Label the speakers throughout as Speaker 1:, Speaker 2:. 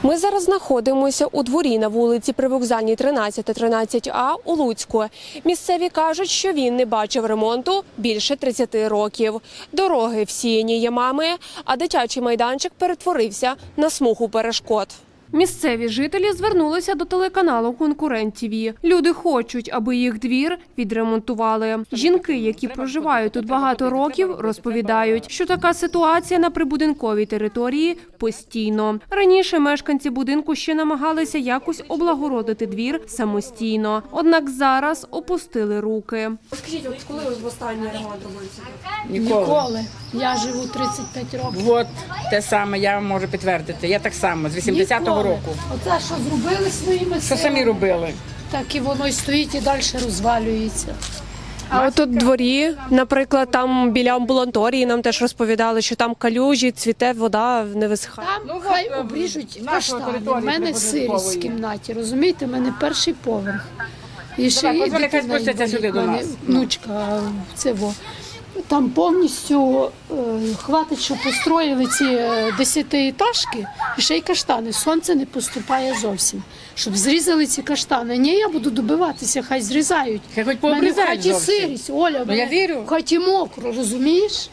Speaker 1: Ми зараз знаходимося у дворі на вулиці Привокзальній 13-13А у Луцьку. Місцеві кажуть, що він не бачив ремонту більше 30 років. Дороги всіяні ямами, а дитячий майданчик перетворився на смугу перешкод. Місцеві жителі звернулися до телеканалу «Конкурент ТВ». Люди хочуть, аби їх двір відремонтували. Жінки, які проживають тут багато років, розповідають, що така ситуація на прибудинковій території постійно. Раніше мешканці будинку ще намагалися якось облагородити двір самостійно. Однак зараз опустили руки. Скажіть, от коли ви останній ремонт робився?
Speaker 2: Ніколи. Я живу 35 років.
Speaker 3: От те саме я можу підтвердити. Я так само, з 80-го року.
Speaker 2: Оце, що зробили своїми силами,
Speaker 3: Що самі робили?
Speaker 2: так і воно і стоїть, і далі розвалюється.
Speaker 1: А от тут в дворі, наприклад, там біля амбулаторії нам теж розповідали, що там калюжі, цвіте, вода не висихає.
Speaker 2: Там хай обріжуть каштани. У мене сирість в кімнаті, розумієте? У мене перший поверх. І ще
Speaker 3: Давай,
Speaker 2: і
Speaker 3: позволь, хай
Speaker 2: дитина
Speaker 3: спустяться
Speaker 2: інвалід.
Speaker 3: сюди до
Speaker 2: У мене
Speaker 3: нас.
Speaker 2: внучка, це во. Там повністю хватить, що построїли ці 10-етажки, і ще й каштани. Сонце не поступає зовсім. Щоб зрізали ці каштани. Ні, я буду добиватися, хай зрізають.
Speaker 3: Хай хоч
Speaker 2: У мене в
Speaker 3: пообрізають
Speaker 2: хаті
Speaker 3: зовсім.
Speaker 2: сирість, Оля,
Speaker 3: Ну, я вірю.
Speaker 2: в хаті мокро, розумієш?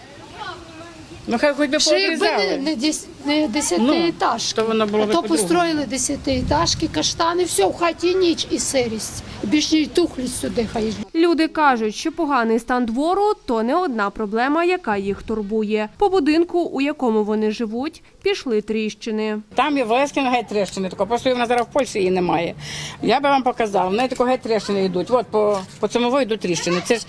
Speaker 3: Ну хай хоч би
Speaker 2: Ще якби
Speaker 3: пообрізали.
Speaker 2: не 10-етажки,
Speaker 3: то воно було
Speaker 2: а
Speaker 3: би
Speaker 2: то
Speaker 3: по-другому.
Speaker 2: построїли 10-етажки, каштани, все, в хаті ніч і сирість. Більше й тухлі сюди хай.
Speaker 1: Люди кажуть, що поганий стан двору – то не одна проблема, яка їх турбує. По будинку, у якому вони живуть, пішли тріщини.
Speaker 3: Там є в Лескіна геть тріщини, тако, просто вона зараз в Польщі її немає. Я би вам показала, в неї тако геть тріщини йдуть. От по цьому йдуть тріщини. Це ж,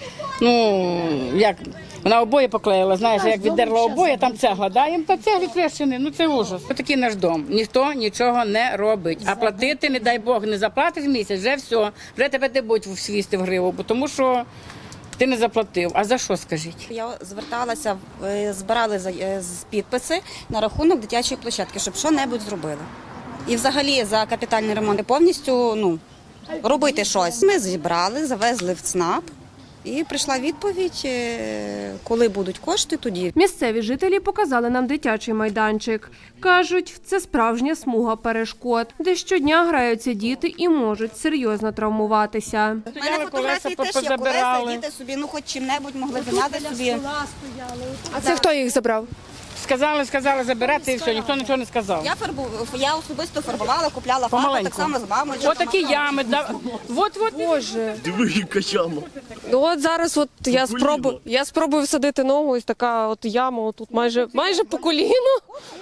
Speaker 3: як, вона обоє поклеїла, знаєш, як віддерла обоє, там цегла, да, їм та цеглі тріщини, ну це ужас. Ось такий наш дом, ніхто нічого не робить. А платити, не дай Бог, не заплатиш місяць, вже все, вже тебе не будуть свісти в гриву, бо тому що ти не заплатив. А за що, скажіть?
Speaker 4: Я зверталася, збирали підписи на рахунок дитячої площадки, щоб що-небудь зробили. І взагалі за капітальний ремонт повністю робити щось. Ми зібрали, завезли в ЦНАП. І прийшла відповідь, коли будуть кошти, тоді.
Speaker 1: Місцеві жителі показали нам дитячий майданчик. Кажуть, це справжня смуга перешкод, де щодня граються діти і можуть серйозно травмуватися.
Speaker 4: У мене фотографії теж є, колеса, діти собі, хоч чим-небудь могли зайняти собі.
Speaker 1: А це хто їх забрав?
Speaker 3: Сказали забирати і все, ніхто нічого не сказав.
Speaker 4: Я особисто фарбувала, купляла фарбу, так само з мамою.
Speaker 3: Ось такі ями. От.
Speaker 1: Боже.
Speaker 5: Диви, яка яма.
Speaker 1: Ну от зараз я спробую всадити ногу, ось така от яма, отут майже по коліну.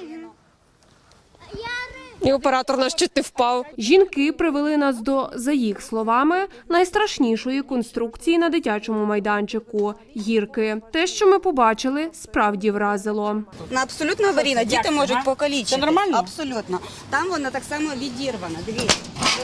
Speaker 1: І оператор наш чуть не впав. Жінки привели нас до, за їх словами, найстрашнішої конструкції на дитячому майданчику – гірки. Те, що ми побачили, справді вразило.
Speaker 4: Вона абсолютно аварійна, діти можуть покалічити.
Speaker 3: Це нормально?
Speaker 4: Абсолютно. Там вона так само відірвана, дивіться.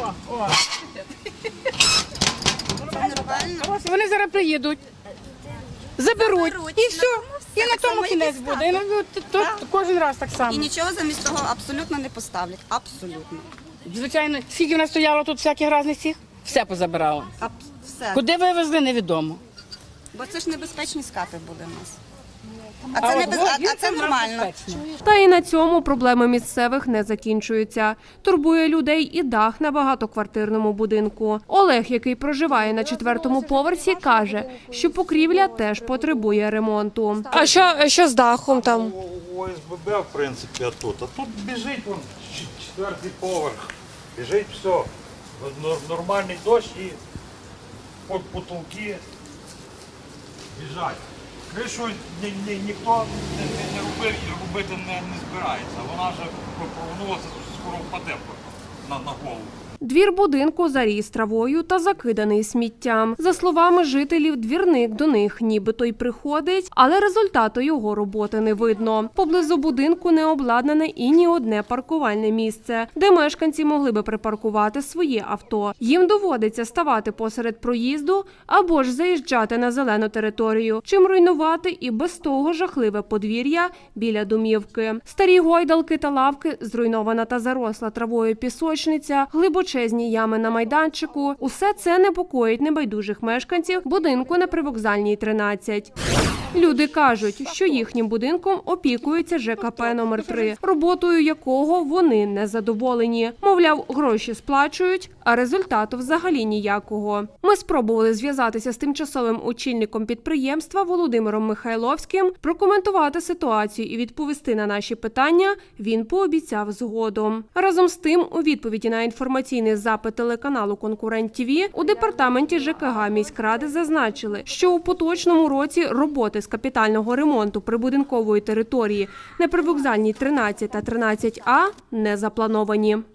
Speaker 4: Це нормально.
Speaker 3: Вони зараз приїдуть, заберуть і все. І на тому
Speaker 4: само і
Speaker 3: кінець буде. І тут кожен раз так само.
Speaker 4: І нічого замість того абсолютно не поставлять. Абсолютно.
Speaker 3: Звичайно, скільки в нас стояло тут всяких різних цих, все позабирало.
Speaker 4: Все.
Speaker 3: Куди вивезли, невідомо.
Speaker 4: Бо це ж небезпечні скати буде у нас. А це
Speaker 3: от
Speaker 4: нормально.
Speaker 3: безпечно.
Speaker 1: Та і на цьому проблеми місцевих не закінчуються. Турбує людей і дах на багатоквартирному будинку. Олег, який проживає на 4-му поверсі, каже, що покрівля теж потребує ремонту. А що з дахом там?
Speaker 6: ОСББ, в принципі, тут. А тут біжить вон 4-й поверх. Біжить все. Нормальний дощ і потолки біжать. Кришу ніхто не робив і робити не збирається. Вона вже повернулася, скоро впаде на голову.
Speaker 1: Двір будинку заріс травою та закиданий сміттям. За словами жителів, двірник до них нібито й приходить, але результату його роботи не видно. Поблизу будинку не обладнане і ні одне паркувальне місце, де мешканці могли би припаркувати своє авто. Їм доводиться ставати посеред проїзду або ж заїжджати на зелену територію, чим руйнувати і без того жахливе подвір'я біля домівки. Старі гойдалки та лавки, зруйнована та заросла травою пісочниця, глибочезні ями на майданчику – усе це непокоїть небайдужих мешканців будинку на Привокзальній 13. Люди кажуть, що їхнім будинком опікується ЖКП номер 3, роботою якого вони не задоволені. Мовляв, гроші сплачують, а результату взагалі ніякого. Ми спробували зв'язатися з тимчасовим очільником підприємства Володимиром Михайловським, прокоментувати ситуацію і відповісти на наші питання він пообіцяв згодом. Разом з тим, у відповіді на інформаційний запит телеканалу «Конкурент ТВ» у департаменті ЖКГ міськради зазначили, що у поточному році роботи з капітального ремонту прибудинкової території на привокзальній 13 та 13А не заплановані.